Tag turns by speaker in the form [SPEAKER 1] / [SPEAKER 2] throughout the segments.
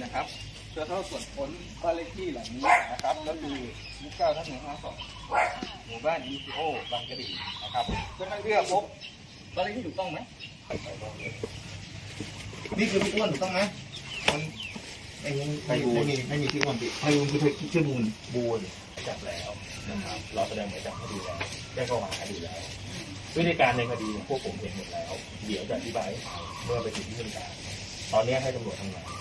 [SPEAKER 1] นะครับเพื่อเข้าตรวจค้นบ้านเลขที่หลังนี้นะครับก็คือ29/152หมู่บ้านยูซีโอบางกะดีนะครับเพื่อพบบ้านเลขที่ถูกต้องไหมนี่คือพี่อ้วนถูกต้องไหมมันไม่มีพี่อ้วนพี่ไพบูลย์คือชื่อบูล
[SPEAKER 2] จับแล้วนะครับเราแสดงหมายจับคดีแล้วแจ้งข้อหาคดีแล้ววิธีการในคดีพวกผมเห็นหมดแล้วเดี๋ยวจะอธิบายเมื่อไปถึงที่ทำการตอนนี้ให้ตำรวจทำงาน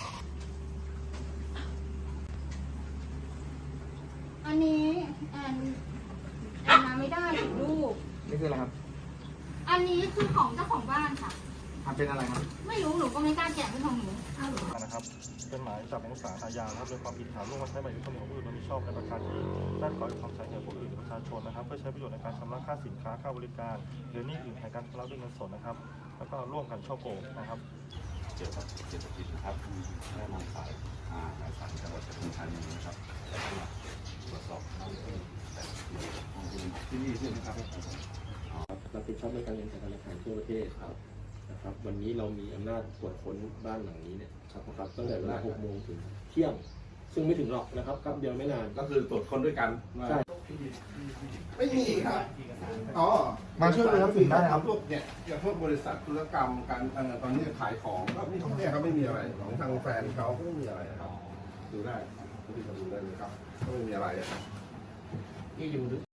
[SPEAKER 3] อันนี้แอนมาไม่ได้ลูก
[SPEAKER 1] นี่คืออะไรครับ
[SPEAKER 3] อันนี้คือของเจ้าของบ้านค่ะ
[SPEAKER 1] ทำเป็นอะไรครับ
[SPEAKER 3] ไม่รู้หนูก็ไม่กล้าแกะเป็นของหนู
[SPEAKER 4] นะครับเป็นหมายจับของศาลอาญานะครับโดยความผิดฐานร่วมกันใช้หมายยึดทรัพย์สินของผู้อื่นโดยมิชอบในประการที่ด้านขวาหรือความใช้แก่ผู้อื่นหรือประชาชนนะครับเพื่อใช้ประโยชน์ในการชำระค่าสินค้าค่าบริการหรือหนี้อื่นแทนการชำระด้วยเงินสดนะครับแล้วก็ร่วมกันช่อโกงนะครับ
[SPEAKER 5] เกี่ยวกับเศรษฐกิจนะครับได้นำสายหมายสารจังหวัดปทุมธานีนะครับแล้วก็ตรวจสอบที่นี่ใช่ไหมครับ
[SPEAKER 6] รับผิดชอบในการเงินการธนาคารทั่วประเทศครับนะครับวันนี้เรามีอำนาจตรวจค้นบ้านหลังนี้เนี่ยครับตั้งแต่เวลา 6 โมงถึงเที่ยงซึ่งไม่ถึงหรอกนะครับครับเดียวไม่นาน
[SPEAKER 5] ก็คือตรวจคนด้วยกัน
[SPEAKER 6] ใช่
[SPEAKER 1] ไม่มีครับ
[SPEAKER 5] อ๋อ
[SPEAKER 1] มาช่วยเลยครับถึงได้ครับ
[SPEAKER 5] พวกเนี่ยพวกบริษัทธุรกรรมการตอนนี้ขายของก็เนี่ยเขาไม่มีอะไรของทางแฟนเขาก็ไม่มีอะไรครับดูได้ที่จะดูได้เลยครับก็ไม่มีอะไร
[SPEAKER 6] นี่อยู่